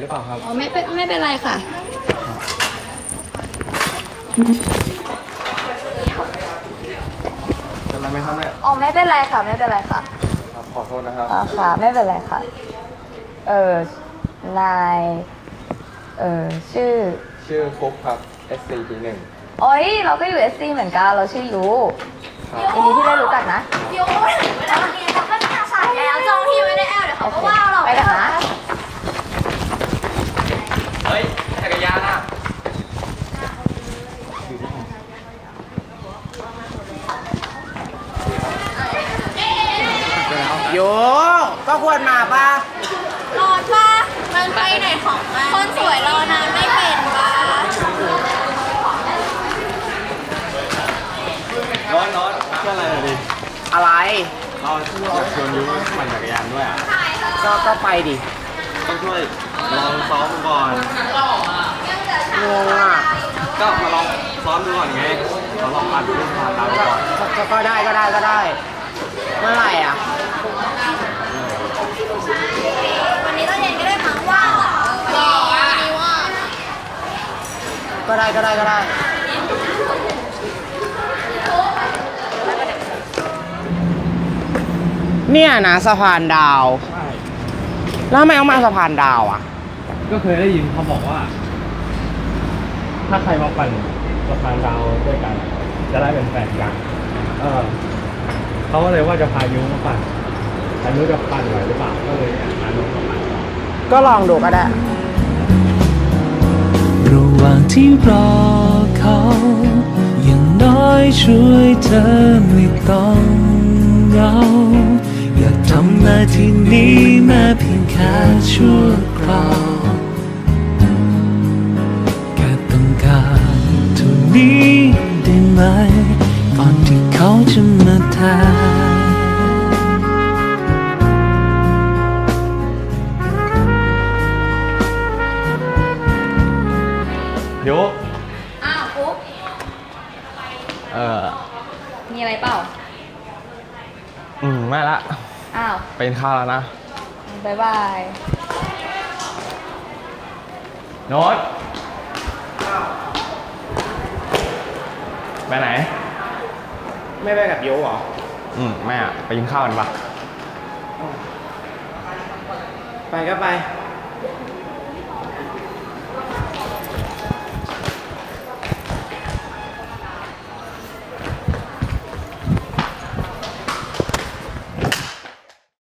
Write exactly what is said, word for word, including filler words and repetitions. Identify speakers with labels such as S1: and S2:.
S1: รือเปล่าครับ
S2: อ๋อไม่เป็นไม่เป็นไรค่ะ
S1: เป็นไรไหมครับเนี่ย
S2: อ๋อไม่เป็นไรค่ะไม่เป็นไรค่ะ
S1: ครับขอโทษนะครับ
S2: อ๋อค่ะไม่เป็นไรค่ะเออนายเออชื่อ
S1: ชื่อฟุกครับ เอส ซี ที หนึ่ง
S2: โอ้ยเราก็อยู่ เอส ซี เหมือนกันเราชื่อยูยินดีที่ได้รู้จักนะ
S3: ยูถึงเวลาเรียนจะเป็นภาษาแล้วจองที่ไม่ได้แอลเดี๋ยวเขาก็ว่าเรา
S2: ไปกันนะ
S1: เฮ้ยจักรยานอ่ะ
S4: โยก็ควรมาป่ะ
S3: รอดป่ะมันไปไหนของมันคนสวยรอนานไม่เป็นป่ะ
S1: น้อนน้อนเชื่ออะไรหน่อยดิ
S4: อะไร
S1: เราอยากชวนยูปั่นจักรยานด้วยอ่ะ
S4: ก็ก็ไปดิ
S1: ต้องช่วยลองซ้อมก่อน
S4: งงอ่ะ
S1: ก็มาลองซ้อมดูก่อนไงเราลองปั่นดูผ่านเราก่อน
S4: ก็ก็ได้ก็ได้ก็ได้เมื่อไหร่อ่ะ
S3: วันนี้ตอนเย็นก็ได้มั้งว่าหรอวันนี้ว่า
S4: ก็ได้ก็ได้ก็ได้เนี่ยนะสะพานดาว
S1: ใช่
S4: แล้วทำไมต้องมาสะพานดาวอ่ะ
S1: ก็เคยได้ยินเขาบอกว่าถ้าใครมาปั่นสะพานดาวด้วยกันจะได้เป็นแฟนกันเออเขาก็เลยว่าจะพายุมาปั่นแต่ไม่รู้จะปั่นไหวหรือเปล่าก็เลยพายุมาปั่น
S4: ก็ลองดูก็ได้
S5: ระหว่างที่รอเขาอย่างน้อยช่วยเธอไม่ต้องเหงาอยากทำหน้าที่นี้แม้เพียงแค่ชั่วคราวแค่ต้องการเท่านี้ได้ไหมก่อนที่เขาจะมาแทน
S1: โย
S2: อ้าวปุ๊บ
S1: เออ
S2: มีอะไรเปล่า
S1: อืมไม่ละ
S2: อ้าว
S1: เป็นข้าวแล้วนะ
S2: บายบาย
S1: โน้ตไปไหน
S4: ไม่ไปกับโยหรอ
S1: อืมไม่อะไปกินข้าวกันปะ
S4: ไปก็ไป